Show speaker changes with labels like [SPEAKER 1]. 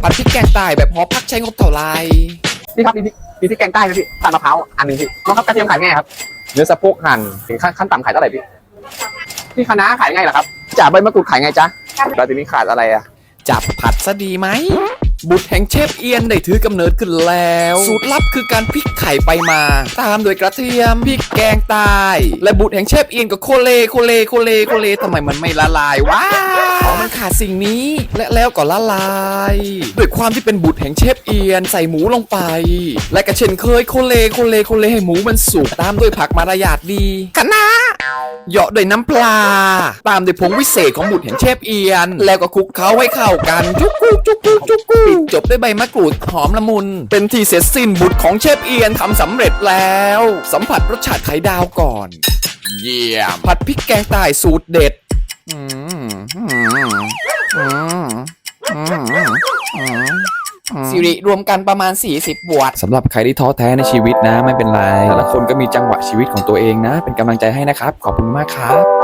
[SPEAKER 1] ผัดพริกแกงใต้แบบหอพักใช้งบเท่าไร
[SPEAKER 2] พี่ครับมีพริกแกงใต้ไหมพี่ตำมะพร้าวอันนึงพี่น้องครับกระเทียมขายไงครับเนื้อสะโพกหั่นขั้นต่ำขายเท่าไหร่พี่คะน้าขายไงล่ะครับจ่าใบมะกรูดขายไงจ๊ะแล้วทีนี้ขาดอะไรอ่ะ
[SPEAKER 1] จับผัดซะดีไหมบุตรแห่งเชฟเอียนได้ถือกำเนิดขึ้นแล้วสูตรลับคือการพลิกไข่ไปมาตามโดยกระเทียมพริกแกงใต้และบุตรแห่งเชฟเอียนก็โคเลทำไมมันไม่ละลายวะอ๋อมันขาดสิ่งนี้และแล้วก็ละลายด้วยความที่เป็นบุตรแห่งเชฟเอียนใส่หมูลงไปและก็เช่นเคยโคเลให้หมูมันสุกตามด้วยผักมารยาทดีคะน้าเหยาะด้วยน้ำปลาตามด้วยผงวิเศษของบุตรแห่งเชฟเอียนแล้วก็คลุกเคล้าให้เข้ากันจุกกุปิดจบด้วยใบมะกรูดหอมละมุนเป็นที่เสร็จสิ้นบุตรของเชฟเอียนทำสำเร็จแล้วสัมผัสรสชาติไข่ดาวก่อนเยี่ยมผัดพริกแกงใต้สูตรเด็ดสิริรวมกันประมาณ40บวกสำหรับใครที่ท้อแท้ในชีวิตนะไม่เป็นไรแต่ละคนก็มีจังหวะชีวิตของตัวเองนะเป็นกำลังใจให้นะครับขอบคุณมากครับ